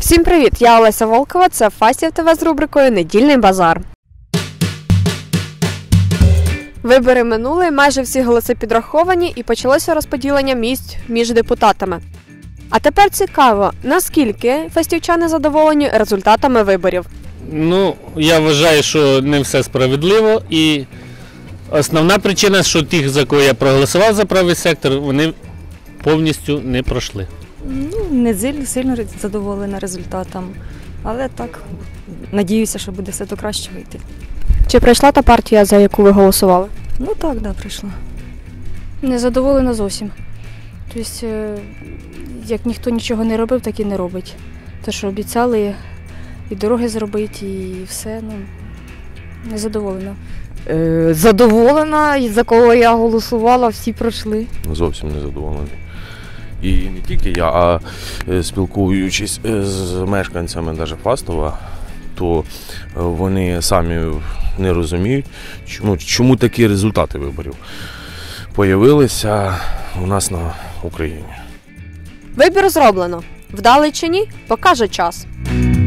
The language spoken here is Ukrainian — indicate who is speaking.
Speaker 1: Всім привіт! Я Олеся Волкова, це Фастів ТВ з рубрикою «Недільний базар». Вибори минули, майже всі голоси підраховані і почалося розподілення місць між депутатами. А тепер цікаво, наскільки фастівчани задоволені результатами виборів?
Speaker 2: Я вважаю, що не все справедливо, і основна причина, що тих, за кого я проголосував за правий сектор, вони повністю не пройшли.
Speaker 3: Не сильно задоволена результатом, але так, надіюся, що буде все до краще вийти.
Speaker 1: Чи прийшла та партія, за яку ви голосували?
Speaker 3: Так, прийшла.
Speaker 4: Не задоволена зовсім. Тобто, як ніхто нічого не робив, так і не робить. Те, що обіцяли і дороги зробити, і все, не задоволена.
Speaker 5: Задоволена, і за кого я голосувала, всі пройшли.
Speaker 6: Зовсім не задоволений. І не тільки я, а спілкуючись з мешканцями навіть Фастова, то вони самі не розуміють, чому такі результати виборів появилися у нас на Україні.
Speaker 1: Вибір зроблено. Вдалий чи ні, покаже час.